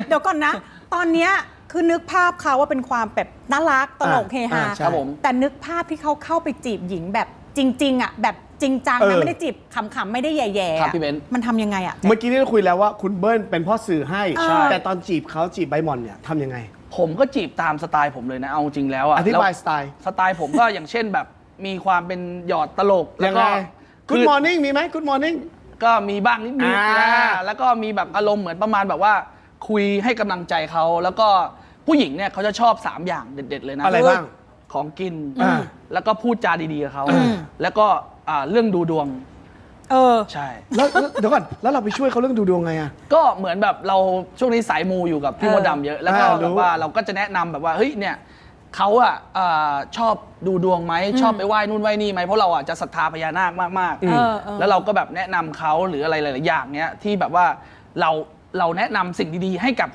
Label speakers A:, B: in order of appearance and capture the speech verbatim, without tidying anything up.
A: เดี๋ยวก่อนนะ ตอนเนี้ยคือนึกภาพเขาว่าเป็นความแบบน่ารักตลกเฮฮา
B: ครับผม
A: แต่นึกภาพที่เขาเข้าไปจีบหญิงแบบจริงๆอ่ะแบบจริงจังนะไม่ได้จีบขำๆไม่ได้แย่ๆ
B: ครับพี่เบนซ์
A: มันทำยังไงอ่ะ
C: เมื่อกี้นี่เราคุยแล้วว่าคุณเบิ้ลเป็นพ่อสื่อให้
A: ใช่
C: แต่ตอนจีบเขาจีบใบหม่อนเนี่ยทำยังไไง
B: ผมก็จีบตามสไตล์ผมเลยนะเอาจริงแล้วอะ
C: อธิบาย
B: แล้ว
C: สไตล์
B: สไตล์ผมก็อย่างเช่นแบบมีความเป็นหยอดตลกแล้ว
C: ยัง
B: ก็
C: ไง Good morning มีไหม Good morning
B: ก็มีบ้างนิดนึง
C: อ่า
B: นะแล้วก็มีแบบอารมณ์เหมือนประมาณแบบว่า คุยให้กำลังใจเขาแล้วก็ผู้หญิงเนี่ยเขาจะชอบสามอย่างเด็ดๆเลยนะ
C: อะไรบ้าง
B: ของกิน
C: อ่า
B: แล้วก็พูดจาดีๆกับเขา
C: อืม
B: แล้วก็อ่าเรื่องดูดวง
A: เออ
B: ใช่
C: แล้วแล้วเดี๋ยวก่อนแล้วเราไปช่วยเขาเรื่องดูดวงไงอะ
B: ก็เหมือนแบบเราช่วงนี้สายมูอยู่กับพี่
A: เออ
B: มดดำเยอะ แล้วก็
C: อ่ารู้
B: แบบว่าเราก็จะแนะนำแบบว่าเฮ้ยเนี่ยเขาอ่ะอ่าชอบดูดวงไหมชอบไปไหว้นู่นไหว้นี่ไหมเพราะเราอ่ะจะศรัทธาพญานาคมาก
A: เออเออ
B: ๆแล้วเราก็แบบแนะนำเขาหรืออะไรหลายๆอย่างเนี้ยที่แบบว่าเราเราแนะนำสิ่งดีๆให้กับ